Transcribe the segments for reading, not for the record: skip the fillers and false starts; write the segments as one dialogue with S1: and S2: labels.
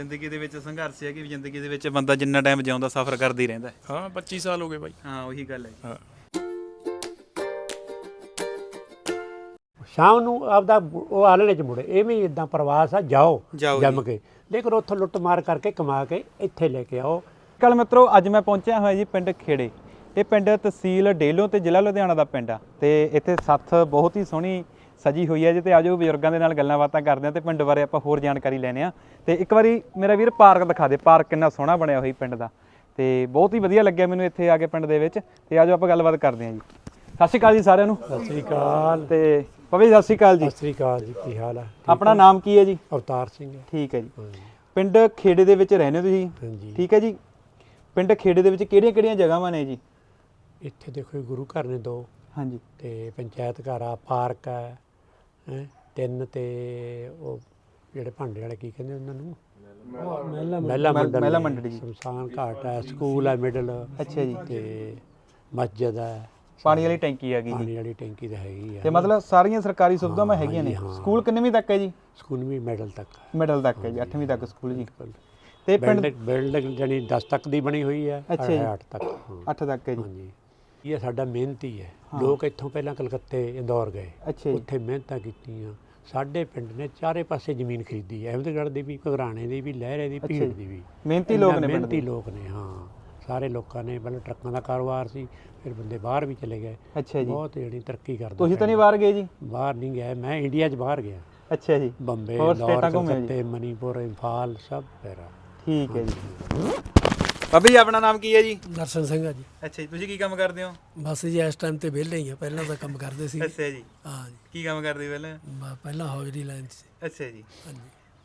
S1: ਜ਼ਿੰਦਗੀ ਦੇ ਵਿੱਚ ਸੰਘਰਸ਼ ਹੈ ਕਿ ਜ਼ਿੰਦਗੀ ਦੇ ਵਿੱਚ ਬੰਦਾ ਜਿੰਨਾ ਟਾਈਮ ਜਿਉਂਦਾ ਸਫ਼ਰ ਕਰਦਾ ਹੀ ਰਹਿੰਦਾ।
S2: ਹਾਂ 25 ਸਾਲ ਹੋ ਗਏ ਬਾਈ।
S1: ਹਾਂ ਉਹੀ ਗੱਲ ਹੈ।
S2: ਹਾਂ
S3: ਸ਼ਾਮ ਨੂੰ ਆਪਦਾ ਉਹ ਆਲਣੇ 'ਚ ਮੁੜੇ। ਇਹ ਵੀ ਇੱਦਾਂ ਪ੍ਰਵਾਸ ਆ, ਜਾਓ
S1: ਜਾਓ
S3: ਜੰਮ ਕੇ, ਲੇਕਿਨ ਉੱਥੋਂ ਲੁੱਟ ਮਾਰ ਕਰਕੇ ਕਮਾ ਕੇ ਇੱਥੇ ਲੈ ਕੇ ਆਓ।
S1: ਕੱਲ ਮਿੱਤਰੋ ਅੱਜ ਮੈਂ ਪਹੁੰਚਿਆ ਹੋਇਆ ਜੀ ਪਿੰਡ ਖੇੜੇ। ਇਹ ਪਿੰਡ ਤਹਿਸੀਲ ਡੇਲੋਂ ਤੇ ਜ਼ਿਲ੍ਹਾ ਲੁਧਿਆਣਾ ਦਾ ਪਿੰਡ ਆ ਤੇ ਇੱਥੇ ਸੱਥ ਬਹੁਤ ਹੀ ਸੋਹਣੀ ਸਜੀ ਹੋਈ ਹੈ ਜੀ। ਤੇ ਆਜੋ ਬਜ਼ੁਰਗਾਂ ਦੇ ਨਾਲ ਗੱਲਾਂ ਬਾਤਾਂ ਕਰਦੇ ਆ ਤੇ ਪਿੰਡ ਬਾਰੇ ਆਪਾਂ ਹੋਰ ਜਾਣਕਾਰੀ ਲੈਣੇ ਆ। ਤੇ ਇੱਕ ਵਾਰੀ ਮੇਰਾ ਵੀਰ ਪਾਰਕ ਦਿਖਾ ਦੇ, ਪਾਰਕ ਕਿੰਨਾ ਸੋਹਣਾ ਬਣਿਆ ਹੋਈ ਪਿੰਡ ਦਾ ਤੇ ਬਹੁਤ ਹੀ ਵਧੀਆ ਲੱਗਿਆ ਮੈਨੂੰ ਇੱਥੇ ਆ ਕੇ ਪਿੰਡ ਦੇ ਵਿੱਚ। ਤੇ ਆਜੋ ਆਪਾਂ ਗੱਲਬਾਤ ਕਰਦੇ ਆ ਜੀ। ਸਤਿ ਸ਼੍ਰੀ ਅਕਾਲ ਜੀ ਸਾਰਿਆਂ ਨੂੰ।
S3: ਸਤਿ ਸ੍ਰੀ ਅਕਾਲ।
S1: ਤੇ ਪਵੇ ਸਤਿ ਸ਼੍ਰੀ ਅਕਾਲ ਜੀ।
S3: ਸਤਿ ਸ੍ਰੀ ਅਕਾਲ ਜੀ, ਕੀ ਹਾਲ ਆ?
S1: ਆਪਣਾ ਨਾਮ ਕੀ ਹੈ ਜੀ?
S3: ਅਵਤਾਰ ਸਿੰਘ ਹੈ।
S1: ਠੀਕ ਹੈ ਜੀ। ਪਿੰਡ ਖੇੜੇ ਦੇ ਵਿੱਚ ਰਹਿੰਦੇ ਹੋ ਤੁਸੀਂ?
S3: ਹਾਂਜੀ।
S1: ਠੀਕ ਹੈ ਜੀ। ਪਿੰਡ ਖੇੜੇ ਦੇ ਵਿੱਚ ਕਿਹੜੀਆਂ ਜਗ੍ਹਾਵਾਂ ਨੇ ਜੀ?
S3: ਇੱਥੇ ਦੇਖੋ ਗੁਰੂ ਘਰ ਨੇ 2,
S1: ਹਾਂਜੀ,
S3: ਤੇ ਪੰਚਾਇਤ ਘਰ ਆ, ਪਾਰਕ ਹੈ 3, ਤੇ ਉਹ ਜਿਹੜੇ ਭਾਂਡੇ ਵਾਲੇ ਕੀ ਕਹਿੰਦੇ ਉਹਨਾਂ ਨੂੰ, ਮਹਿਲਾ ਮੰਡਲੀ, ਸ਼ਮਸ਼ਾਨ ਘਾਟ ਹੈ, ਸਕੂਲ ਹੈ ਮਿਡਲ।
S1: ਅੱਛਾ ਜੀ।
S3: ਤੇ ਮਸਜਿਦ ਹੈ,
S1: ਪਾਣੀ ਵਾਲੀ ਟੈਂਕੀ ਹੈਗੀ ਜੀ।
S3: ਪਾਣੀ ਵਾਲੀ ਟੈਂਕੀ ਤਾਂ ਹੈਗੀ ਆ।
S1: ਤੇ ਮਤਲਬ ਸਾਰੀਆਂ ਸਰਕਾਰੀ ਸੁਵਿਧਾਵਾਂ ਹੈਗੀਆਂ ਨੇ। ਸਕੂਲ ਕਿੰਨਵੀਂ ਤੱਕ ਹੈ ਜੀ?
S3: ਸਕੂਲ ਵੀ ਮਿਡਲ ਤੱਕ,
S1: ਮਿਡਲ ਤੱਕ ਹੈ ਜੀ, 8ਵੀਂ ਤੱਕ ਸਕੂਲ ਜੀ। ਤੇ ਪਿੰਡ
S3: ਬਿਲਡਿੰਗ ਜਾਨੀ 10 ਤੱਕ ਦੀ ਬਣੀ ਹੋਈ ਹੈ।
S1: ਅੱਛਾ ਜੀ।
S3: 8 ਤੱਕ।
S1: 8 ਤੱਕ ਹੈ ਜੀ।
S3: ਹਾਂਜੀ। ਇਹ ਸਾਡਾ ਮਿਹਨਤੀ ਹੈ। ਲੋਕ ਇੱਥੋਂ ਪਹਿਲਾਂ ਕਲਕੱਤੇ, ਇੰਦੌਰ ਗਏ,
S1: ਅੱਛਾ ਜੀ।
S3: ਉੱਥੇ ਮਿਹਨਤਾਂ ਕੀਤੀਆਂ। ਸਾਡੇ ਪਿੰਡ ਨੇ ਚਾਰੇ ਪਾਸੇ ਜ਼ਮੀਨ ਖਰੀਦੀ ਹੈ, ਅਹਿਮਦਗੜ੍ਹ ਦੀ ਵੀ, ਘਗਰਾਣੇ ਦੀ ਵੀ, ਲਹਿਰੇ ਦੀ, ਭੀੜ ਦੀ ਵੀ।
S1: ਮਿਹਨਤੀ ਲੋਕ ਨੇ,
S3: ਮਿਹਨਤੀ ਲੋਕ ਨੇ। ਹਾਂ ਸਾਰੇ ਲੋਕਾਂ ਨੇ, ਪਹਿਲਾਂ ਟਰੱਕਾਂ ਦਾ ਕਾਰੋਬਾਰ ਸੀ, ਫਿਰ ਬੰਦੇ ਬਾਹਰ ਵੀ ਚਲੇ ਗਏ।
S1: ਅੱਛਾ ਜੀ।
S3: ਬਹੁਤ ਜਿਹੜੀ ਤਰੱਕੀ ਕਰਦੇ।
S1: ਤੁਸੀਂ ਤਾਂ ਨਹੀਂ ਬਾਹਰ ਗਏ ਜੀ?
S3: ਬਾਹਰ ਨਹੀਂ ਗਿਆ ਮੈਂ, ਇੰਡੀਆ 'ਚ ਬਾਹਰ ਗਿਆ।
S1: ਅੱਛਾ ਜੀ।
S3: ਬੰਬੇ,
S1: ਹੋਰ
S3: ਲਾਹੌਰ,
S1: ਸਟੇਟਾਂ ਘੁੰਮੇ ਜੀ?
S3: ਕਲਕੱਤੇ, ਮਨੀਪੁਰ, ਇੰਫਾਲ, ਸਭ ਮੇਰਾ।
S1: ਠੀਕ ਹੈ ਜੀ। ਬਾਬਾ ਜੀ ਆਪਣਾ ਨਾਮ ਕੀ ਹੈ ਜੀ?
S4: ਦਰਸ਼ਨ ਸਿੰਘ ਆ ਜੀ।
S1: ਅੱਛਾ ਜੀ। ਤੁਸੀਂ ਕੀ ਕੰਮ ਕਰਦੇ ਹੋ?
S4: ਬਸ ਜੀ ਇਸ ਟਾਈਮ ਤੇ ਵਿਹਲੇ ਹੀ ਆ, ਪਹਿਲਾਂ ਤਾਂ ਕੰਮ ਕਰਦੇ ਸੀ।
S1: ਅੱਛਾ ਜੀ।
S4: ਹਾਂ ਜੀ।
S1: ਕੀ ਕੰਮ ਕਰਦੇ ਪਹਿਲਾਂ?
S4: ਪਹਿਲਾਂ ਹੌਜਰੀ ਲਾਈਨ 'ਚ।
S1: ਅੱਛਾ ਜੀ।
S4: ਹਾਂਜੀ।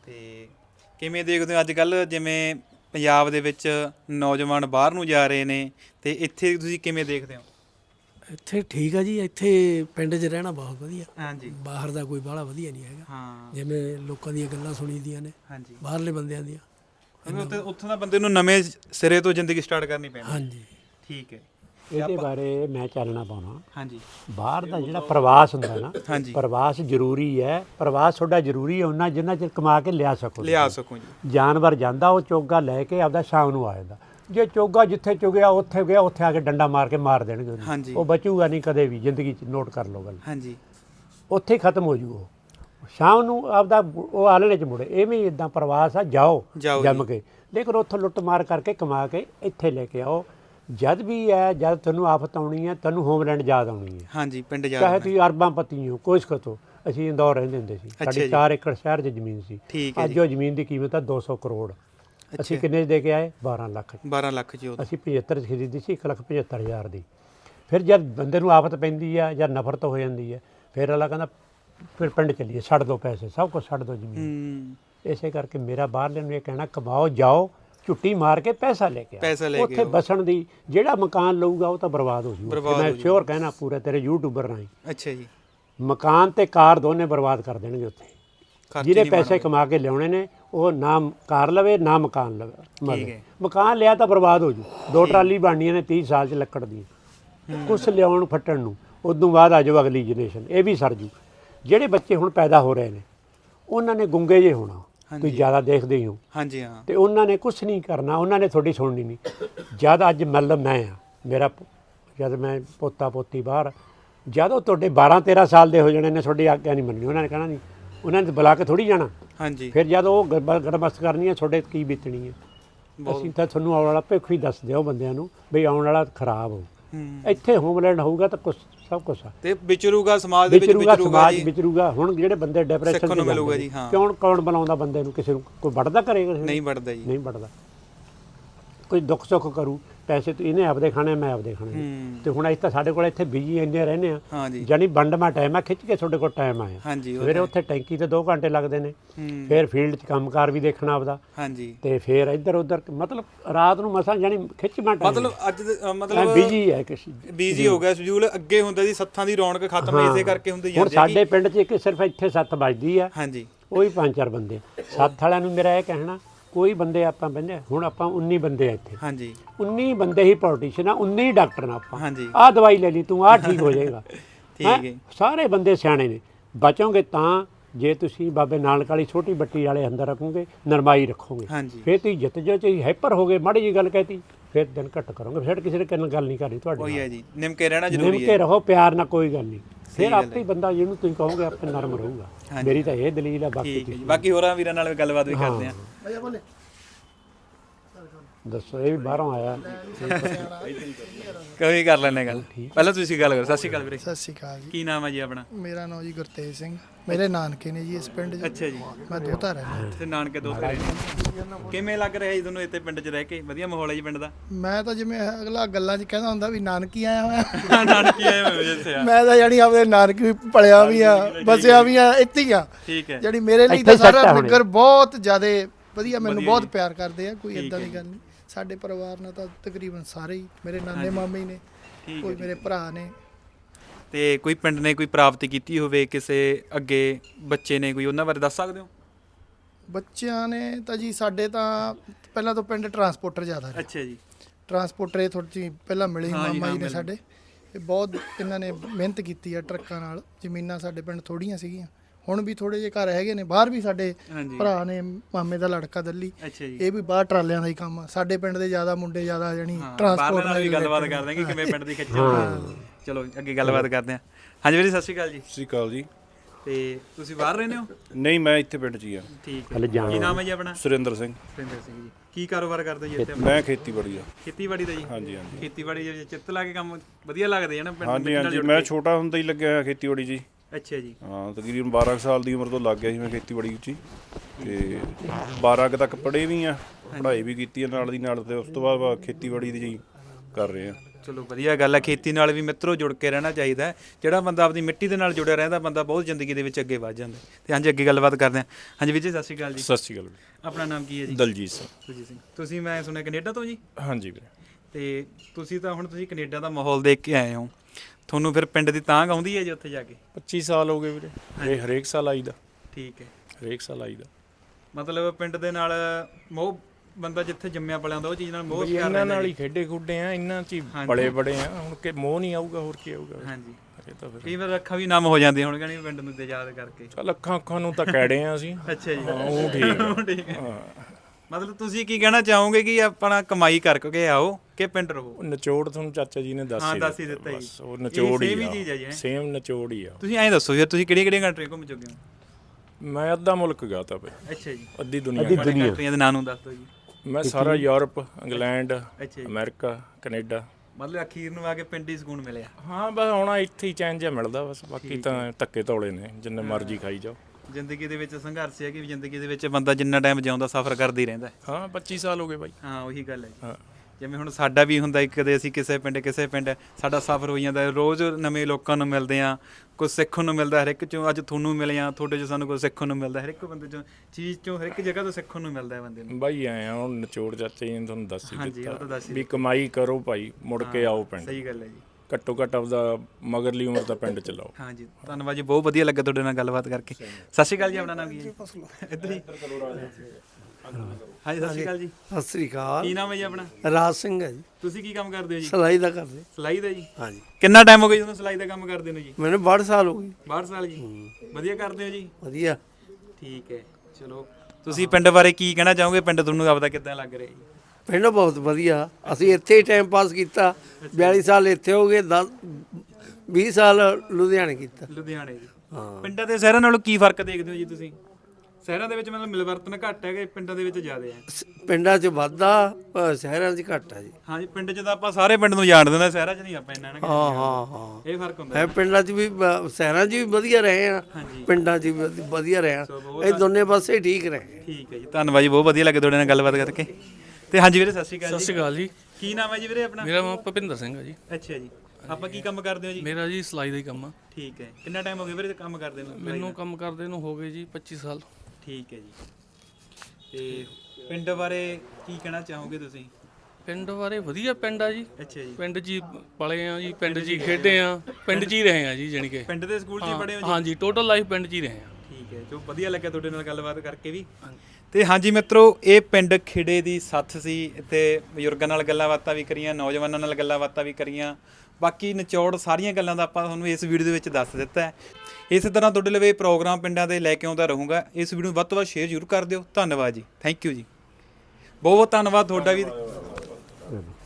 S1: ਤੇ ਕਿਵੇਂ ਦੇਖਦੇ ਹੋ ਅੱਜ ਕੱਲ੍ਹ ਜਿਵੇਂ ਪੰਜਾਬ ਦੇ ਵਿੱਚ ਨੌਜਵਾਨ ਬਾਹਰ ਨੂੰ ਜਾ ਰਹੇ ਨੇ ਤੇ ਇੱਥੇ ਤੁਸੀਂ ਕਿਵੇਂ ਦੇਖਦੇ ਹੋ?
S4: ਇੱਥੇ ਠੀਕ ਆ ਜੀ, ਇੱਥੇ ਪਿੰਡ 'ਚ ਰਹਿਣਾ ਬਹੁਤ ਵਧੀਆ।
S1: ਹਾਂਜੀ।
S4: ਬਾਹਰ ਦਾ ਕੋਈ ਬਾਹਲਾ ਵਧੀਆ ਨਹੀਂ ਹੈਗਾ।
S1: ਹਾਂ।
S4: ਜਿਵੇਂ ਲੋਕਾਂ ਦੀਆਂ ਗੱਲਾਂ ਸੁਣੀਦੀਆਂ ਨੇ
S1: ਹਾਂਜੀ।
S4: ਬਾਹਰਲੇ ਬੰਦਿਆਂ ਦੀਆਂ।
S1: ਉੱਥੋਂ ਦਾ ਬੰਦੇ ਨੂੰ ਨਵੇਂ ਸਿਰੇ ਤੋਂ ਜ਼ਿੰਦਗੀ ਸਟਾਰਟ ਕਰਨੀ ਪੈਂਦੀ।
S4: ਹਾਂਜੀ।
S1: ਠੀਕ ਹੈ।
S3: ਇਹਦੇ ਬਾਰੇ ਮੈਂ ਚਾਨਣਾ ਪਾਉਣਾ।
S1: ਹਾਂਜੀ।
S3: ਬਾਹਰ ਦਾ ਜਿਹੜਾ ਪ੍ਰਵਾਸ ਹੁੰਦਾ ਨਾ,
S1: ਹਾਂਜੀ।
S3: ਪ੍ਰਵਾਸ ਜ਼ਰੂਰੀ ਹੈ। ਪ੍ਰਵਾਸ ਤੁਹਾਡਾ ਜ਼ਰੂਰੀ ਹੈ ਉਹਨਾਂ ਜਿੰਨਾ ਚਿਰ ਕਮਾ ਕੇ ਲਿਆ ਸਕੋ।
S1: ਜੀ।
S3: ਜਾਨਵਰ ਜਾਂਦਾ ਉਹ ਚੋਗਾ ਲੈ ਕੇ ਆਪਦਾ ਸ਼ਾਮ ਨੂੰ ਆ ਜਾਂਦਾ। ਜੇ ਚੋਗਾ ਜਿੱਥੇ ਚੁਗਿਆ ਉੱਥੇ ਗਿਆ, ਉੱਥੇ ਆ ਕੇ ਡੰਡਾ ਮਾਰ ਕੇ ਮਾਰ ਦੇਣਗੇ ਉਹਨੂੰ।
S1: ਹਾਂਜੀ।
S3: ਉਹ ਬਚੂਗਾ ਨਹੀਂ ਕਦੇ ਵੀ ਜ਼ਿੰਦਗੀ 'ਚ, ਨੋਟ ਕਰ ਲਓ ਗੱਲ।
S1: ਹਾਂਜੀ।
S3: ਉੱਥੇ ਹੀ ਖਤਮ ਹੋ ਜੂ ਉਹ। ਸ਼ਾਮ ਨੂੰ ਆਪਦਾ ਉਹ ਆਲਣੇ 'ਚ ਮੁੜੇ। ਇਹ ਵੀ ਇੱਦਾਂ ਪ੍ਰਵਾਸ ਆ, ਜਾਓ ਜੰਮ ਕੇ, ਲੇਕਿਨ ਉੱਥੋਂ ਲੁੱਟ ਮਾਰ ਕਰਕੇ ਕਮਾ ਕੇ ਇੱਥੇ ਲੈ ਕੇ ਆਓ। ਜਦ ਵੀ ਹੈ, ਜਦ ਤੈਨੂੰ ਆਫਤ ਆਉਣੀ ਹੈ, ਤੈਨੂੰ ਹੋਮਲੈਂਡ ਯਾਦ ਆਉਣੀ ਹੈ।
S1: ਹਾਂਜੀ। ਪਿੰਡ ਯਾਦ
S3: ਚਾਹੇ ਤੁਸੀਂ ਅਰਬਾਂ ਪਤੀ ਹੋ, ਕੁਛ ਕੋ। ਅਸੀਂ ਇੰਦੌਰ ਰਹਿੰਦੇ ਹੁੰਦੇ ਸੀ, ਸਾਡੀ 4 ਏਕੜ ਸ਼ਹਿਰ 'ਚ ਜ਼ਮੀਨ ਸੀ। ਅੱਜ ਉਹ ਜ਼ਮੀਨ ਦੀ ਕੀਮਤ ਆ 200 ਕਰੋੜ। ਅਸੀਂ ਕਿੰਨੇ 'ਚ ਦੇ ਕੇ ਆਏ? 12 ਲੱਖ।
S1: 12 ਲੱਖ ਜੀ।
S3: ਅਸੀਂ 75 'ਚ ਖਰੀਦੀ ਸੀ, 1,75,000 ਦੀ। ਫਿਰ ਜਦ ਬੰਦੇ ਨੂੰ ਆਫਤ ਪੈਂਦੀ ਆ ਜਾਂ ਨਫ਼ਰਤ ਹੋ ਜਾਂਦੀ ਹੈ, ਫਿਰ ਅਗਲਾ ਕਹਿੰਦਾ ਫਿਰ ਪਿੰਡ ਚੱਲੀਏ, ਛੱਡ ਦਿਓ ਪੈਸੇ, ਸਭ ਕੁਛ ਛੱਡ ਦਿਓ ਜ਼ਮੀਨ। ਇਸੇ ਕਰਕੇ ਮੇਰਾ ਬਾਹਰਲੇ ਨੂੰ ਇਹ ਕਹਿਣਾ, ਕਮਾਓ, ਜਾਓ, ਝੁੱਟੀ ਮਾਰ ਕੇ ਪੈਸਾ ਲੈ ਕੇ ਆਓ। ਉੱਥੇ ਬਸਣ ਦੀ, ਜਿਹੜਾ ਮਕਾਨ ਲਊਗਾ ਉਹ ਤਾਂ ਬਰਬਾਦ ਹੋ ਜੂਗਾ। ਮੈਂ ਸ਼ੋਰ ਕਹਿਣਾ ਪੂਰਾ ਤੇਰੇ ਯੂਟਿਊਬਰ ਰਾਹੀਂ।
S1: ਅੱਛਾ ਜੀ।
S3: ਮਕਾਨ ਤੇ ਕਾਰ ਦੋਨੇ ਬਰਬਾਦ ਕਰ ਦੇਣਗੇ ਉੱਥੇ। ਜਿਹਨੇ ਪੈਸੇ ਕਮਾ ਕੇ ਲਿਆਉਣੇ ਨੇ ਉਹ ਨਾ ਕਾਰ ਲਵੇ ਨਾ ਮਕਾਨ ਲਵੇ। ਮਕਾਨ ਲਿਆ ਤਾਂ ਬਰਬਾਦ ਹੋ ਜੂ। 2 ਟਰਾਲੀ ਬਣਨੀਆਂ ਨੇ 30 ਸਾਲ 'ਚ ਲੱਕੜ ਦੀਆਂ, ਕੁਛ ਲਿਆਉਣ ਫੱਟਣ ਨੂੰ। ਉਦੋਂ ਬਾਅਦ ਆ ਜਾਓ ਅਗਲੀ ਜਨਰੇਸ਼ਨ, ਇਹ ਵੀ ਸਰ ਜੂ। ਜਿਹੜੇ ਬੱਚੇ ਹੁਣ ਪੈਦਾ ਹੋ ਰਹੇ ਨੇ ਉਹਨਾਂ ਨੇ ਗੁੰਗੇ ਜੇ ਹੋਣਾ। ਤੁਸੀਂ ਜ਼ਿਆਦਾ ਦੇਖਦੇ ਹੀ ਹੋ।
S1: ਹਾਂਜੀ। ਹਾਂ।
S3: ਤੇ ਉਹਨਾਂ ਨੇ ਕੁਛ ਨਹੀਂ ਕਰਨਾ, ਉਹਨਾਂ ਨੇ ਤੁਹਾਡੀ ਸੁਣਨੀ ਨਹੀਂ। ਜਦ ਅੱਜ ਮਤਲਬ ਮੈਂ ਆ, ਮੇਰਾ ਜਦ ਮੈਂ ਪੋਤਾ ਪੋਤੀ ਬਾਹਰ, ਜਦੋਂ ਤੁਹਾਡੇ 12-13 ਸਾਲ ਦੇ ਹੋ ਜਾਣੇ ਨੇ, ਤੁਹਾਡੀ ਆਗਿਆ ਨਹੀਂ ਮੰਨਣੀ। ਉਹਨਾਂ ਨੇ ਕਹਿਣਾ ਨਹੀਂ, ਉਹਨਾਂ ਨੇ ਬੁਲਾ ਕੇ ਥੋੜੀ ਜਾਣਾ।
S1: ਹਾਂਜੀ।
S3: ਫਿਰ ਜਦ ਉਹ ਗੜਮਸਤ ਕਰਨੀ ਹੈ, ਤੁਹਾਡੇ ਕੀ ਬੀਤਣੀ ਹੈ। ਅਸੀਂ ਤਾਂ ਤੁਹਾਨੂੰ ਆਉਣ ਵਾਲਾ ਭਿੱਖ ਹੀ ਦੱਸ ਦਿਓ ਬੰਦਿਆਂ ਨੂੰ ਵੀ ਆਉਣ ਵਾਲਾ ਖਰਾਬ ਹੋ। ਇੱਥੇ ਹੋਮਲੈਂਡ ਹੋਊਗਾ ਤਾਂ ਕੁਛ ਸਭ ਕੁਛ ਆ
S1: ਤੇ ਵਿਚਰੂਗਾ, ਸਮਾਜ ਦੇ ਵਿੱਚ ਵਿਚਰੂਗਾ ਜੀ।
S3: ਵਿਚਰੂਗਾ। ਹੁਣ ਜਿਹੜੇ ਬੰਦੇ ਡਿਪਰੈਸ਼ਨ 'ਚ ਮਿਲੂਗਾ ਜੀ। ਹਾਂ। ਕੌਣ ਬਣਾਉਂਦਾ ਬੰਦੇ ਨੂੰ? ਕਿਸੇ ਨੂੰ ਕੋਈ ਵੱਢਦਾ ਕਰੇਗਾ?
S1: ਨਹੀਂ ਵੱਢਦਾ ਜੀ।
S3: ਨਹੀਂ ਵੱਢਦਾ। ਕੋਈ ਦੁੱਖ ਸੁੱਖ ਕਰੂ, ਪੈਸੇ ਤੇ ਇਹਨੇ ਆਪਦੇ ਖਾਣੇ, ਮੈਂ ਆਪਦੇ ਖਾਣੇ। ਤੇ ਹੁਣ ਅਸੀਂ ਤਾਂ ਸਾਡੇ ਕੋਲ ਇੱਥੇ ਬਿਜੀ ਇੰਨੇ ਰਹਿੰਦੇ ਆ, ਜਾਨੀ ਵੰਡਮਾ ਟਾਈਮ ਆ, ਖਿੱਚ ਕੇ ਤੁਹਾਡੇ ਕੋਲ ਟਾਈਮ ਆਇਆ। ਸਵੇਰੇ ਉੱਥੇ ਟੈਂਕੀ ਤੇ 2 ਘੰਟੇ ਲੱਗਦੇ ਨੇ, ਫਿਰ ਫੀਲਡ 'ਚ ਕੰਮਕਾਰ ਵੀ ਦੇਖਣਾ ਆਪਦਾ।
S1: ਹਾਂਜੀ।
S3: ਤੇ ਫਿਰ ਇੱਧਰ ਉੱਧਰ, ਮਤਲਬ ਰਾਤ ਨੂੰ ਮਸਾਂ ਜਾਨੀ ਖਿੱਚਮਾ ਟਾਈਮ।
S1: ਮਤਲਬ ਅੱਜ ਮਤਲਬ
S3: ਬਿਜੀ ਹੈ,
S1: ਬਿਜੀ ਹੋ ਗਿਆ ਸ਼ਡਿਊਲ। ਅੱਗੇ ਹੁੰਦਾ ਸੀ ਸੱਥਾਂ ਦੀ ਰੌਣਕ ਖਤਮ, ਇਸੇ ਕਰਕੇ ਹੁੰਦੀ ਜਾਂਦੀ।
S3: ਹੁਣ ਸਾਡੇ ਪਿੰਡ 'ਚ ਇੱਕ ਸਿਰਫ ਇੱਥੇ 7 ਵੱਜਦੀ ਆ।
S1: ਹਾਂਜੀ। ਉਹ
S3: ਵੀ 5-4 ਬੰਦੇ। ਸੱਥ ਵਾਲਿਆਂ ਨੂੰ ਮੇਰਾ ਇਹ ਕਹਿਣਾ, ਕੋਈ ਬੰਦੇ ਆਪਾਂ ਬੰਦੇ, ਹੁਣ ਆਪਾਂ 19 ਬੰਦੇ ਆ ਇੱਥੇ।
S1: ਹਾਂਜੀ।
S3: 19 ਬੰਦੇ ਹੀ ਪੋਲੀਟੀਸ਼ੀਅਨ ਆ, 19 ਡਾਕਟਰ ਨਾ ਆਪਾਂ।
S1: ਹਾਂਜੀ।
S3: ਆਹ ਦਵਾਈ ਲੈ ਲਈ ਤੂੰ, ਆਹ ਠੀਕ ਹੋ ਜਾਏਗਾ।
S1: ਠੀਕ ਹੈ।
S3: ਸਾਰੇ ਬੰਦੇ ਸਿਆਣੇ ਨੇ। ਬਚੋਗੇ ਤਾਂ ਜੇ ਤੁਸੀਂ ਬਾਬੇ ਨਾਨਕ ਵਾਲੀ ਛੋਟੀ ਬੱਟੀ ਵਾਲੇ ਅੰਦਰ ਰੱਖੋਗੇ, ਨਰਮਾਈ ਰੱਖੋਗੇ,
S1: ਹਾਂਜੀ
S3: ਫਿਰ ਤੁਸੀਂ ਜਿੱਤ ਜੋ ਤੁਸੀਂ ਹਾਈਪਰ ਹੋ ਗਏ, ਮਾੜੀ ਜੀ ਗੱਲ ਕਹਿਤੀ, ਫਿਰ ਦਿਨ ਘੱਟ ਕਰੋਗੇ, ਫਿਰ ਕਿਸੇ ਨੇ ਗੱਲ ਨਹੀਂ ਕਰਨੀ ਤੁਹਾਡੀ।
S1: ਉਹੀ ਹੈ ਜੀ, ਨਿਮਕੇ ਰਹਿਣਾ ਜ਼ਰੂਰੀ
S3: ਨਿਮਕੇ
S1: ਹੈ।
S3: ਰਹੋ, ਪਿਆਰ ਨਾਲ, ਕੋਈ ਗੱਲ ਨਹੀਂ, ਫਿਰ ਆਪੇ ਹੀ ਬੰਦਾ ਜਿਹਨੂੰ ਤੁਸੀਂ ਕਹੋਗੇ ਆਪੇ ਨਰਮ ਰਹੂਗਾ। ਮੇਰੀ ਤਾਂ ਇਹ ਦਲੀਲ ਹੈ। ਬਾਕੀ
S1: ਠੀਕ ਹੈ ਜੀ, ਬਾਕੀ ਹੋਰਾਂ ਵੀਰਾਂ ਨਾਲ ਵੀ ਗੱਲਬਾਤ ਵੀ ਕਰਦੇ ਆ।
S3: ਦੱਸੋ, ਇਹ ਵੀ ਬਾਹਰੋਂ ਆਇਆ।
S1: ਕੋਈ ਕਰ ਲੈਣੇ ਗੱਲ, ਪਹਿਲਾਂ ਤੁਸੀਂ ਗੱਲ ਕਰੋ। ਸਤਿ ਸ਼੍ਰੀ ਅਕਾਲ ਵੀਰੇ।
S2: ਸਤਿ ਸ਼੍ਰੀ ਅਕਾਲ ਜੀ।
S1: ਕੀ ਨਾਮ ਹੈ ਜੀ ਆਪਣਾ?
S2: ਮੇਰਾ ਨਾਮ ਜੀ ਗੁਰਤੇਜ ਸਿੰਘ, ਮੇਰੇ ਨਾਨਕੇ ਨੇ ਜੀ ਇਸ ਪਿੰਡ 'ਚ।
S1: ਅੱਛਾ ਜੀ,
S2: ਮੈਂ ਦੋਤਾ ਰਹਿੰਦਾ।
S1: ਤੇ ਨਾਨਕੇ ਦੋਸਤ ਰਹੇ ਨੇ। ਕਿਵੇਂ ਲੱਗ ਰਿਹਾ ਜੀ ਤੁਹਾਨੂੰ ਇੱਥੇ ਪਿੰਡ 'ਚ ਰਹਿ ਕੇ? ਵਧੀਆ ਮਾਹੌਲ ਹੈ ਜੀ ਪਿੰਡ ਦਾ?
S2: ਮੈਂ ਤਾਂ ਜਿਵੇਂ ਅਗਲਾ ਗੱਲਾਂ 'ਚ ਕਹਿੰਦਾ ਹੁੰਦਾ ਵੀ ਨਾਨਕੀ ਆਇਆ ਹੋਇਆ,
S1: ਨਾਨਕੀ ਆਏ ਹੋਏ ਜਿੱਥੇ ਆ।
S2: ਮੈਂ ਤਾਂ ਜਾਣੀ ਆਪਣੇ ਨਾਨਕੀ ਵੀ ਪਲਿਆ ਵੀ ਆ, ਬਸਿਆ ਵੀ ਆ, ਇੱਥੇ ਹੀ ਆ।
S1: ਠੀਕ ਹੈ,
S2: ਜਿਹੜੀ ਮੇਰੇ ਲਈ ਤਾਂ ਸਾਰਾ ਨਗਰ ਬਹੁਤ ਜ਼ਿਆਦਾ ਵਧੀਆ, ਮੈਨੂੰ ਬਹੁਤ ਪਿਆਰ ਕਰਦੇ ਆ, ਕੋਈ ਇਦਾਂ ਦੀ ਗੱਲ ਨਹੀਂ। ਸਾਡੇ ਪਰਿਵਾਰ ਨਾਲ ਤਾਂ ਤਕਰੀਬਨ ਸਾਰੇ ਹੀ ਮੇਰੇ ਨਾਨੇ ਮਾਮੇ ਹੀ ਨੇ, ਕੋਈ ਮੇਰੇ ਭਰਾ ਨੇ।
S1: ਤੇ ਕੋਈ ਪਿੰਡ ਨੇ ਕੋਈ ਪ੍ਰਾਪਤੀ ਕੀਤੀ ਹੋਵੇ ਕਿਸੇ ਅੱਗੇ ਬੱਚੇ ਨੇ, ਕੋਈ ਉਹਨਾਂ ਬਾਰੇ ਦੱਸ ਸਕਦੇ ਹੋ?
S2: ਬੱਚਿਆਂ ਨੇ ਤਾਂ ਜੀ ਸਾਡੇ ਤਾਂ ਪਹਿਲਾਂ ਤੋਂ ਪਿੰਡ ਟਰਾਂਸਪੋਰਟਰ ਜ਼ਿਆਦਾ ਨੇ।
S1: ਅੱਛਾ ਜੀ,
S2: ਟਰਾਂਸਪੋਰਟਰ ਇਹ ਥੋੜ੍ਹੀ ਜਿਹੀ ਪਹਿਲਾਂ ਮਿਲੇ ਸੀ ਮਾਮਾ ਜੀ ਨੇ ਸਾਡੇ, ਇਹ ਬਹੁਤ ਇਹਨਾਂ ਨੇ ਮਿਹਨਤ ਕੀਤੀ ਆ ਟਰੱਕਾਂ ਨਾਲ। ਜ਼ਮੀਨਾਂ ਸਾਡੇ ਪਿੰਡ ਥੋੜ੍ਹੀਆਂ ਸੀਗੀਆਂ, ਹੁਣ ਵੀ ਥੋੜ੍ਹੇ ਜਿਹੇ ਘਰ ਹੈਗੇ ਨੇ। ਬਾਹਰ ਵੀ ਸਾਡੇ ਭਰਾ ਨੇ, ਮਾਮੇ ਦਾ ਲੜਕਾ ਦੱਲੀ,
S1: ਅੱਛਾ ਜੀ,
S2: ਇਹ ਵੀ ਬਾਹਰ ਟਰਾਲਿਆਂ ਦਾ ਹੀ ਕੰਮ ਆ। ਸਾਡੇ ਪਿੰਡ ਦੇ ਜ਼ਿਆਦਾ ਮੁੰਡੇ ਜ਼ਿਆਦਾ ਜਾਣੀ ਟਰਾਂਸਪੋਰਟ ਨਾਲ
S1: ਵੀ ਗੱਲਬਾਤ ਕਰਦੇ ਆ ਕਿ ਕਿਵੇਂ ਪਿੰਡ ਦੀ ਖਿੱਚ। ਚਲੋ ਅੱਗੇ ਗੱਲਬਾਤ ਕਰਦੇ ਆ। ਹਾਂਜੀ ਵੀਰੇ, ਸਤਿ ਸ਼੍ਰੀ ਅਕਾਲ ਜੀ।
S5: ਸਤਿ ਸ਼੍ਰੀ ਅਕਾਲ ਜੀ।
S1: ਤੇ ਤੁਸੀਂ ਬਾਹਰ ਰਹਿੰਦੇ ਹੋ?
S5: ਨਹੀਂ, ਮੈਂ ਇੱਥੇ ਪਿੰਡ 'ਚ ਹੀ ਆ।
S1: ਠੀਕ ਹੈ, ਕੀ ਨਾਮ ਹੈ ਜੀ ਆਪਣਾ?
S5: ਸੁਰਿੰਦਰ ਸਿੰਘ।
S1: ਸੁਰਿੰਦਰ ਸਿੰਘ ਜੀ, ਕੀ ਕਾਰੋਬਾਰ ਕਰਦੇ ਜੀ ਇੱਥੇ?
S5: ਮੈਂ ਖੇਤੀਬਾੜੀ ਆ।
S1: ਖੇਤੀਬਾੜੀ ਦਾ ਜੀ?
S5: ਹਾਂਜੀ ਹਾਂਜੀ
S1: ਖੇਤੀਬਾੜੀ ਦੇ ਵਿੱਚ ਚਿੱਤ ਲਾ ਕੇ ਕੰਮ ਵਧੀਆ ਲੱਗਦੇ ਆ ਨਾ ਪਿੰਡ?
S5: ਹਾਂਜੀ ਹਾਂਜੀ, ਮੈਂ ਛੋਟਾ ਹੁੰਦਾ ਹੀ ਲੱਗਿਆ ਹੋਇਆ ਖੇਤੀਬਾੜੀ ਜੀ।
S1: ਅੱਛਾ ਜੀ,
S5: ਹਾਂ, ਤਕਰੀਬਨ 12 ਕੁ ਸਾਲ ਦੀ ਉਮਰ ਤੋਂ ਲੱਗ ਗਿਆ ਸੀ ਮੈਂ ਖੇਤੀਬਾੜੀ ਵਿੱਚ ਹੀ। ਤੇ 12 ਕੁ ਤੱਕ ਪੜ੍ਹੇ ਵੀ ਆ, ਪੜ੍ਹਾਈ ਵੀ ਕੀਤੀ ਆ ਨਾਲ ਦੀ ਨਾਲ, ਤੇ ਉਸ ਤੋਂ ਬਾਅਦ ਖੇਤੀਬਾੜੀ ਦੀ ਜੀ ਕਰ ਰਹੇ ਆ।
S1: ਚਲੋ ਵਧੀਆ ਗੱਲ ਹੈ। ਖੇਤੀ ਨਾਲ ਵੀ ਮਿੱਤਰੋ ਜੁੜ ਕੇ ਰਹਿਣਾ ਚਾਹੀਦਾ ਹੈ। ਜਿਹੜਾ ਬੰਦਾ ਆਪਣੀ ਮਿੱਟੀ ਦੇ ਨਾਲ ਜੁੜਿਆ ਰਹਿੰਦਾ, ਬੰਦਾ ਬਹੁਤ ਜ਼ਿੰਦਗੀ ਦੇ ਵਿੱਚ ਅੱਗੇ ਵੱਧ ਜਾਂਦਾ। ਤੇ ਹਾਂਜੀ, ਅੱਗੇ ਗੱਲਬਾਤ ਕਰਦੇ ਹਾਂ। ਹਾਂਜੀ ਵੀਰ ਜੀ, ਸਤਿ ਸ਼੍ਰੀ ਅਕਾਲ ਜੀ।
S5: ਸਤਿ ਸ਼੍ਰੀ ਅਕਾਲ।
S1: ਆਪਣਾ ਨਾਮ ਕੀ ਹੈ ਜੀ?
S5: ਦਲਜੀਤ ਸਿੰਘ।
S1: ਸੁਰਜੀਤ ਸਿੰਘ। ਤੁਸੀਂ, ਮੈਂ ਸੁਣਿਆ ਕੈਨੇਡਾ ਤੋਂ ਜੀ?
S5: ਹਾਂਜੀ ਵੀਰੇ।
S1: ਤੇ ਤੁਸੀਂ ਤਾਂ ਹੁਣ ਤੁਸੀਂ ਕੈਨੇਡਾ ਦਾ ਮਾਹੌਲ ਦੇਖ ਕੇ ਆਏ ਹੋ, ਤੁਹਾਨੂੰ ਫਿਰ ਪਿੰਡ ਦੀ ਤਾਂਘ ਆਉਂਦੀ ਹੈ ਜੀ ਉੱਥੇ ਜਾ ਕੇ?
S5: 25 ਸਾਲ ਹੋ ਗਏ ਵੀਰੇ, ਇਹ ਹਰੇਕ ਸਾਲ ਆਈਦਾ।
S1: ਠੀਕ ਹੈ,
S5: ਹਰੇਕ ਸਾਲ ਆਈਦਾ।
S1: ਮਤਲਬ ਪਿੰਡ ਦੇ ਨਾਲ ਮੋਹ, ਬੰਦਾ ਜਿੱਥੇ ਜੰਮਿਆ ਪਲਿਆ ਹੁੰਦਾ ਉਹ ਚੀਜ਼ ਨਾਲ ਮੋਹ ਪਿਆਰ
S6: ਇਹਨਾਂ ਨਾਲ
S1: ਰਹਿੰਦਾ
S6: ਹੀ ਖੇਡੇ ਖੁੱਡੇ ਆ, ਇਹਨਾਂ 'ਚ ਹੀ ਬੜੇ ਬੜੇ ਆ। ਹੁਣ ਕਿ ਮੋਹ ਨਹੀਂ ਆਊਗਾ, ਹੋਰ ਕੀ ਆਊਗਾ?
S1: ਹਾਂਜੀ,
S6: ਇਹ ਤਾਂ ਫਿਰ
S1: ਕਈ ਵਾਰ ਅੱਖਾਂ ਵੀ ਨਮ ਹੋ ਜਾਂਦੀਆਂ ਹੁਣ ਕਹਿੰਦੇ ਪਿੰਡ ਨੂੰ ਤੇ ਯਾਦ ਕਰਕੇ।
S6: ਚੱਲ ਅੱਖਾਂ ਨੂੰ ਤਾਂ ਕਹਿੜੇ ਆ ਅਸੀਂ।
S1: ਅੱਛਾ ਜੀ,
S6: ਉਹ ਠੀਕ ਆ।
S1: ਠੀਕ ਹੈ।
S6: ਹਾਂ,
S1: ਮਤਲਬ ਤੁਸੀਂ ਕੀ ਕਹਿਣਾ ਚਾਹੋਗੇ ਕਿ ਆਪਣਾ ਕਮਾਈ ਕਰਕੇ ਆਓ ਕਿ ਪਿੰਡ ਰਹੋ?
S6: ਉਹ ਨਿਚੋੜ ਤੁਹਾਨੂੰ ਚਾਚਾ ਜੀ ਨੇ ਦੱਸ
S1: ਦੱਸ ਹੀ ਦਿੱਤਾ ਜੀ।
S6: ਬਸ ਉਹ ਨਿਚੋੜ
S1: same ਹੀ
S6: ਹੀ
S1: ਚੀਜ਼ ਹੈ ਜੀ,
S6: ਆ,
S1: ਹੈਂ?
S6: ਸੇਮ ਨਿਚੋੜ ਹੀ ਆ।
S1: ਤੁਸੀਂ ਐਂ ਦੱਸੋ ਯਾਰ, ਤੁਸੀਂ ਕਿਹੜੀਆਂ ਕੰਟਰੀਆਂ ਘੁੰਮ ਚੁੱਕੇ ਹੋ?
S6: ਮੈਂ ਅੱਧਾ ਮੁਲਕ ਗਿਆ ਤਾਂ ਬਈ,
S1: ਅੱਛਾ ਜੀ,
S6: ਅੱਧੀ ਦੁਨੀਆ।
S1: ਕੰਟਰੀਆਂ ਦੇ ਨਾਂ ਨੂੰ ਦੱਸ ਦਿਓ ਜੀ।
S6: ਮੈਂ ਸਾਰਾ ਯੂਰਪ, ਇੰਗਲੈਂਡ,
S1: ਅੱਛਾ ਜੀ,
S6: ਅਮਰੀਕਾ, ਕੈਨੇਡਾ।
S1: ਮਤਲਬ ਅਖੀਰ ਨੂੰ ਆ ਕੇ ਪਿੰਡ ਹੀ ਸਕੂਨ ਮਿਲਿਆ।
S6: ਹਾਂ, ਬਸ ਆਉਣਾ ਇੱਥੇ ਹੀ ਚੈਨ ਜਿਹਾ ਮਿਲਦਾ ਬਸ। ਬਾਕੀ ਤਾਂ ਧੱਕੇ ਧੌਲੇ ਨੇ, ਜਿੰਨੇ ਮਰਜ਼ੀ ਖਾਈ ਜਾਓ।
S1: ਜ਼ਿੰਦਗੀ ਦੇ ਵਿੱਚ ਸੰਘਰਸ਼ ਹੈ ਕਿ ਜ਼ਿੰਦਗੀ ਦੇ ਵਿੱਚ ਬੰਦਾ ਜਿੰਨਾ ਟਾਈਮ ਜਿਉਂਦਾ ਸਫ਼ਰ ਕਰਦਾ ਹੀ ਰਹਿੰਦਾ।
S6: ਹਾਂ, 25 ਸਾਲ ਹੋ ਗਏ ਬਾਈ।
S1: ਹਾਂ, ਉਹੀ ਗੱਲ ਹੈ ਜੀ।
S6: ਹਾਂ,
S1: ਜਿਵੇਂ ਹੁਣ ਸਾਡਾ ਵੀ ਹੁੰਦਾ, ਕਦੇ ਅਸੀਂ ਕਿਸੇ ਪਿੰਡ ਸਾਡਾ ਸਫ਼ਰ ਹੋਈ ਜਾਂਦਾ, ਰੋਜ਼ ਨਵੇਂ ਲੋਕਾਂ ਨੂੰ ਮਿਲਦੇ ਆ, ਕੁਝ ਸਿੱਖਣ ਨੂੰ ਮਿਲਦਾ ਹਰ ਇੱਕ ਚੋਂ। ਅੱਜ ਤੁਹਾਨੂੰ ਮਿਲੇ ਆ, ਤੁਹਾਡੇ 'ਚੋਂ ਸਾਨੂੰ ਕੁਝ ਸਿੱਖਣ ਨੂੰ ਮਿਲਦਾ, ਹਰ ਇੱਕ ਬੰਦੇ 'ਚੋਂ ਚੀਜ਼ 'ਚੋਂ, ਹਰ ਇੱਕ ਜਗ੍ਹਾ ਤੋਂ ਸਿੱਖਣ ਨੂੰ ਮਿਲਦਾ ਹੈ ਬੰਦੇ ਨੂੰ।
S6: ਬਾਈ ਆਏ ਆ ਹੁਣ ਨਿਚੋੜ ਚਾਚਾ ਜੀ ਨੇ ਤੁਹਾਨੂੰ ਦੱਸ ਹੀ
S1: ਹਾਂਜੀ, ਉਹ ਤਾਂ ਦੱਸ
S6: ਦਿੱਤਾ
S1: ਹੀ
S6: ਵੀ ਕਮਾਈ ਕਰੋ ਭਾਈ, ਮੁੜ ਕੇ ਆਓ ਪਿੰਡ।
S1: ਸਹੀ ਗੱਲ ਹੈ ਜੀ।
S6: ਘੱਟੋ ਘੱਟ ਆਪਦਾ ਮਗਰਲੀ ਉਮਰ ਦਾ ਪਿੰਡ ਚਲਾਓ।
S1: ਹਾਂਜੀ, ਧੰਨਵਾਦ ਜੀ, ਬਹੁਤ ਵਧੀਆ ਲੱਗਾ ਤੁਹਾਡੇ ਨਾਲ ਗੱਲਬਾਤ ਕਰਕੇ। ਸਤਿ ਸ਼੍ਰੀ ਅਕਾਲ ਜੀ, ਆਪਣਾ ਨਾਮ ਕੀ ਹੈ? ਇੱਧਰ ਹੀ। ਹਾਂਜੀ, ਸਤਿ ਸ਼੍ਰੀ ਅਕਾਲ ਜੀ।
S4: ਸਤਿ ਸ੍ਰੀ ਅਕਾਲ।
S1: ਕੀ ਨਾਮ ਹੈ ਜੀ ਆਪਣਾ?
S4: ਰਾਜ ਸਿੰਘ ਹੈ ਜੀ,
S1: ਤੁਸੀਂ ਕੀ ਕੰਮ ਕਰਦੇ ਹੋ ਜੀ?
S4: ਸਿਲਾਈ ਦਾ ਕਰਦੇ।
S1: ਸਿਲਾਈ ਦਾ ਜੀ?
S4: ਹਾਂਜੀ।
S1: ਕਿੰਨਾ ਟਾਈਮ ਹੋ ਗਿਆ ਤੁਹਾਨੂੰ ਸਿਲਾਈ ਦਾ ਕੰਮ ਕਰਦੇ ਨੂੰ ਜੀ?
S4: ਮੈਨੂੰ 12 ਸਾਲ ਹੋ ਗਏ।
S1: 12 ਸਾਲ ਜੀ? ਵਧੀਆ ਕਰਦੇ ਹੋ ਜੀ?
S4: ਵਧੀਆ।
S1: ਠੀਕ ਹੈ, ਚਲੋ ਤੁਸੀਂ ਪਿੰਡ ਬਾਰੇ ਕੀ ਕਹਿਣਾ ਚਾਹੋਗੇ? ਪਿੰਡ ਤੁਹਾਨੂੰ ਆਪਦਾ ਕਿੱਦਾਂ ਲੱਗ ਰਿਹਾ ਜੀ?
S4: ਪਿੰਡ ਬਹੁਤ ਵਧੀਆ, ਅਸੀਂ ਇੱਥੇ ਹੀ ਟਾਈਮ ਪਾਸ ਕੀਤਾ। 42 ਸਾਲ ਇੱਥੇ ਹੋ ਗਏ, 20 ਸਾਲ ਲੁਧਿਆਣੇ ਕੀਤਾ।
S1: ਲੁਧਿਆਣੇ ਜੀ?
S4: ਹਾਂ।
S1: ਪਿੰਡਾਂ ਤੇ ਸ਼ਹਿਰਾਂ ਨਾਲੋਂ ਕੀ ਫਰਕ ਦੇਖਦੇ ਹੋ ਜੀ ਤੁਸੀਂ? ਸ਼ਹਿਰਾਂ ਦੇ ਵਿੱਚ ਮਤਲਬ ਮਿਲਵਰਤਨ ਘੱਟ ਹੈਗਾ, ਪਿੰਡਾਂ ਦੇ ਵਿੱਚ ਜ਼ਿਆਦਾ ਹੈ?
S4: ਪਿੰਡਾਂ 'ਚ ਵੱਧਾ, ਸ਼ਹਿਰਾਂ 'ਚ ਘੱਟ ਆ ਜੀ।
S1: ਹਾਂਜੀ, ਪਿੰਡ 'ਚ ਤਾਂ ਆਪਾਂ ਸਾਰੇ ਪਿੰਡ ਨੂੰ ਜਾਣਦੇ ਹੁੰਦੇ, ਸ਼ਹਿਰਾਂ 'ਚ ਨਹੀਂ ਆਪਾਂ ਇੰਨਾ ਨਾ।
S4: ਹਾਂ ਹਾਂ ਹਾਂ,
S1: ਇਹ ਫਰਕ ਹੁੰਦਾ
S4: ਹੈ। ਪਿੰਡਾਂ 'ਚ ਵੀ ਸ਼ਹਿਰਾਂ 'ਚ ਵੀ ਵਧੀਆ ਰਹੇ ਆ, ਪਿੰਡਾਂ 'ਚ ਵੀ ਵਧੀਆ ਰਹੇ ਆ। ਇਹ ਦੋਨੇ ਪਾਸੇ ਠੀਕ ਰਹੇ।
S1: ਠੀਕ ਹੈ ਜੀ, ਧੰਨਵਾਦ ਜੀ, ਬਹੁਤ ਵਧੀਆ ਲੱਗਿਆ ਤੁਹਾਡੇ ਨਾਲ ਗੱਲਬਾਤ ਕਰਕੇ। ਤੇ ਹਾਂਜੀ ਵੀਰੇ, ਸਤਿ ਸ਼੍ਰੀ ਅਕਾਲ ਜੀ।
S7: ਸਤਿ ਸ਼੍ਰੀ ਅਕਾਲ ਜੀ।
S1: ਕੀ ਨਾਮ ਹੈ ਜੀ ਵੀਰੇ ਆਪਣਾ?
S7: ਮੇਰਾ ਨਾਮ ਭੁਪਿੰਦਰ ਸਿੰਘ ਹੈ ਜੀ।
S1: ਅੱਛਾ ਜੀ, ਆਪਾਂ ਕੀ ਕੰਮ ਕਰਦੇ ਹੋ ਜੀ?
S7: ਮੇਰਾ ਜੀ ਸਿਲਾਈ ਦਾ ਹੀ ਕੰਮ ਆ।
S1: ਠੀਕ ਹੈ, ਕਿੰਨਾ ਟਾਈਮ ਹੋ ਗਿਆ ਵੀਰੇ ਕੰਮ ਕਰਦੇ ਨੂੰ?
S7: ਮੈਨੂੰ ਕੰਮ ਕਰਦੇ ਨੂੰ ਹੋ ਗਏ ਜੀ 25 ਸਾਲ।
S1: ਠੀਕ ਹੈ ਜੀ। ਤੇ ਪਿੰਡ ਬਾਰੇ ਕੀ ਕਹਿਣਾ ਚਾਹੋਗੇ ਤੁਸੀਂ?
S7: ਪਿੰਡ ਬਾਰੇ ਵਧੀਆ ਪਿੰਡ ਆ ਜੀ।
S1: ਅੱਛਾ ਜੀ,
S7: ਪਿੰਡ 'ਚ ਹੀ ਪਲੇ ਆ ਜੀ, ਪਿੰਡ 'ਚ ਹੀ ਖੇਡੇ ਆ, ਪਿੰਡ 'ਚ ਹੀ ਰਹੇ ਆ ਜੀ। ਜਾਣੀ ਕਿ
S1: ਪਿੰਡ ਦੇ ਸਕੂਲ 'ਚ ਹੀ ਪੜ੍ਹੇ ਹੋ ਜੀ?
S7: ਹਾਂਜੀ, ਟੋਟਲ ਲਾਈਫ ਪਿੰਡ 'ਚ ਹੀ ਰਹੇ ਆ।
S1: ਠੀਕ ਹੈ, ਜੋ ਵਧੀਆ ਲੱਗਿਆ ਤੁਹਾਡੇ ਨਾਲ ਗੱਲਬਾਤ ਕਰਕੇ ਵੀ। ਤੇ ਹਾਂਜੀ ਮਿੱਤਰੋ, ਇਹ ਪਿੰਡ ਖੇੜੇ ਦੀ ਸੱਥ ਸੀ। ਇੱਥੇ ਬਜ਼ੁਰਗਾਂ ਨਾਲ ਗੱਲਾਂ ਬਾਤਾਂ ਵੀ ਕਰੀਆਂ, ਨੌਜਵਾਨਾਂ ਨਾਲ ਗੱਲਾਂ ਬਾਤਾਂ ਵੀ ਕਰੀਆਂ। ਬਾਕੀ ਨਿਚੋੜ ਸਾਰੀਆਂ ਗੱਲਾਂ ਦਾ ਆਪਾਂ ਤੁਹਾਨੂੰ ਇਸ ਵੀਡੀਓ ਦੇ ਵਿੱਚ ਦੱਸ ਦਿੱਤਾ ਹੈ। ਇਸੇ ਤਰ੍ਹਾਂ ਤੁਹਾਡੇ ਲਵੇ ਪ੍ਰੋਗਰਾਮ ਪਿੰਡਾਂ ਦੇ ਲੈ ਕੇ ਆਉਂਦਾ ਰਹੂੰਗਾ। ਇਸ ਵੀਡੀਓ ਨੂੰ ਵੱਧ ਤੋਂ ਵੱਧ ਸ਼ੇਅਰ ਜ਼ਰੂਰ ਕਰ ਦਿਓ। ਧੰਨਵਾਦ ਜੀ, ਥੈਂਕ ਯੂ ਜੀ, ਬਹੁਤ ਬਹੁਤ ਧੰਨਵਾਦ ਤੁਹਾਡਾ ਵੀ।